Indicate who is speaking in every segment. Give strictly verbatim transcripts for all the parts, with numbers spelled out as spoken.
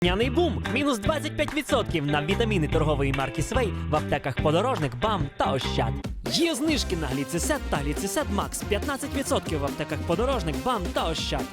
Speaker 1: Няний бум! Мінус двадцять п'ять відсотків на вітаміни торгової марки Свей в аптеках Подорожник, БАМ та Ощад. Є знижки на гліцисет та гліцисет Макс п'ятнадцять відсотків в аптеках Подорожник, БАМ та Ощад.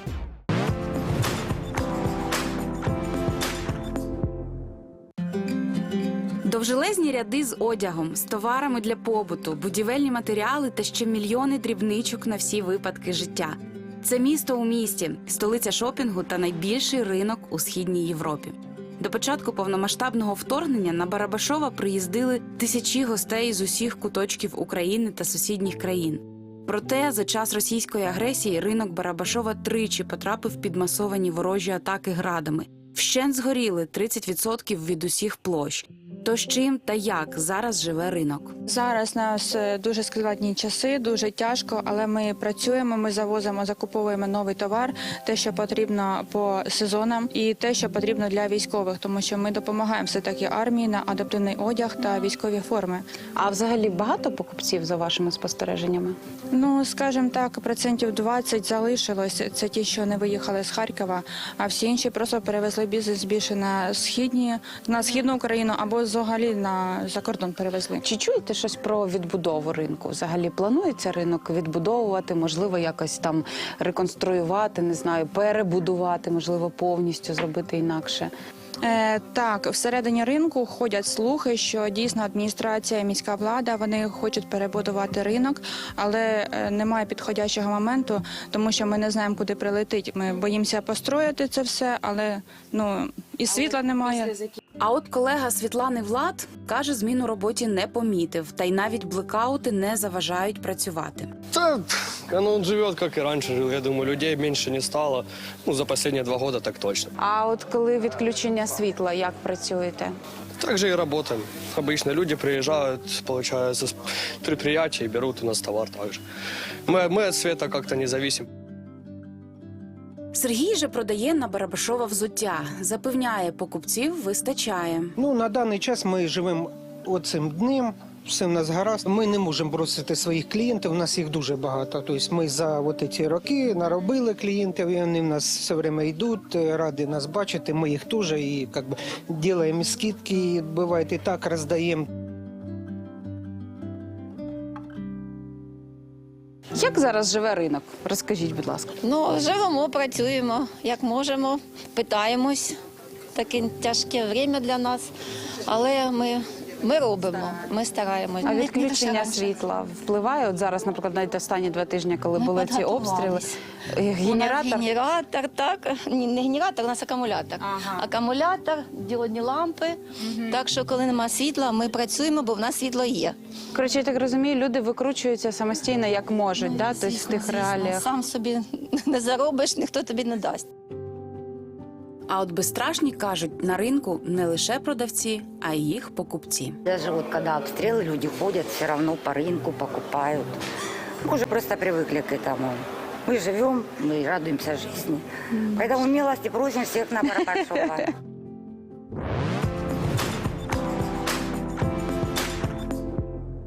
Speaker 2: Довжелезні ряди з одягом, з товарами для побуту, будівельні матеріали та ще мільйони дрібничок на всі випадки життя. Це місто у місті, столиця шопінгу та найбільший ринок у Східній Європі. До початку повномасштабного вторгнення на Барабашова приїздили тисячі гостей з усіх куточків України та сусідніх країн. Проте за час російської агресії ринок Барабашова тричі потрапив під масовані ворожі атаки градами. Вщент згоріли тридцять відсотків від усіх площ. То з чим та як зараз живе ринок?
Speaker 3: Зараз у нас дуже складні часи, дуже тяжко, але ми працюємо, ми завозимо, закуповуємо новий товар, те, що потрібно по сезонам, і те, що потрібно для військових, тому що ми допомагаємо все-таки армії на адаптивний одяг та військові форми.
Speaker 2: А взагалі багато покупців за вашими спостереженнями?
Speaker 3: Ну, скажімо так, процентів двадцять залишилось, це ті, що не виїхали з Харкова, а всі інші просто перевезли бізнес більше на східні, на східну Україну або взагалі на за кордон перевезли.
Speaker 2: Чи чуєте щось про відбудову ринку? Взагалі планується ринок відбудовувати, можливо, якось там реконструювати, не знаю, перебудувати, можливо, повністю зробити інакше?
Speaker 3: Е, так, всередині ринку ходять слухи, що дійсно адміністрація і міська влада, вони хочуть перебудувати ринок, але е, немає підходящого моменту, тому що ми не знаємо, куди прилетить. Ми боїмося построїти це все, але ну і світла немає.
Speaker 2: А от колега Світлани Влад каже, змін у роботі не помітив, та й навіть блекаути не заважають працювати.
Speaker 4: Да, оно он живет, как и раньше жил. Я думаю, людей меньше не стало. Ну, за последние два года так точно.
Speaker 2: А от коли відключення світла, як працюєте?
Speaker 4: Так же и работаем. Обычно люди приезжают, получается, с предприятий и берут у нас товар также. Мы, мы от света как-то не зависим.
Speaker 2: Сергій же продає на Барабашова взуття. Запевняє, покупців вистачає.
Speaker 5: Ну, на даний час ми живемо оцим днем, все в нас гаразд. Ми не можемо бросити своїх клієнтів, у нас їх дуже багато. Тобто ми за от ці роки наробили клієнтів, і вони в нас все время йдуть, раді нас бачити, ми їх теж і як би, робимо скидки, буває і так роздаємо.
Speaker 2: Як зараз живе ринок? Розкажіть, будь ласка.
Speaker 6: Ну, живемо, працюємо, як можемо, питаємось. Таке тяжке время для нас, але ми, ми робимо, ми стараємось.
Speaker 2: А
Speaker 6: Не- не
Speaker 2: відключення
Speaker 6: лише
Speaker 2: світла впливає? От зараз, наприклад, навіть останні два тижні, коли
Speaker 6: Ми
Speaker 2: були ці обстріли.
Speaker 6: підготувались.
Speaker 2: е,
Speaker 6: У нас
Speaker 2: Генератор.
Speaker 6: генератор, так. Ні, не генератор, у нас акумулятор.
Speaker 2: Ага.
Speaker 6: Акумулятор, діодні лампи. Так що, коли немає світла, ми працюємо, бо в нас світло є.
Speaker 2: Коротше, я так розумію, люди викручуються самостійно, як можуть, да? Тобто в
Speaker 6: Звісно,
Speaker 2: тих
Speaker 6: звісно.
Speaker 2: реаліях.
Speaker 6: Сам собі не заробиш, ніхто тобі не дасть.
Speaker 2: А от безстрашні кажуть, на ринку не лише продавці, а й їх покупці.
Speaker 7: Даже вот когда обстрелы, люди ходят все равно по рынку, покупают. Мы уже просто привыкли к этому. Мы живем, мы радуемся жизни. Поэтому милости просим всех на Барабашова.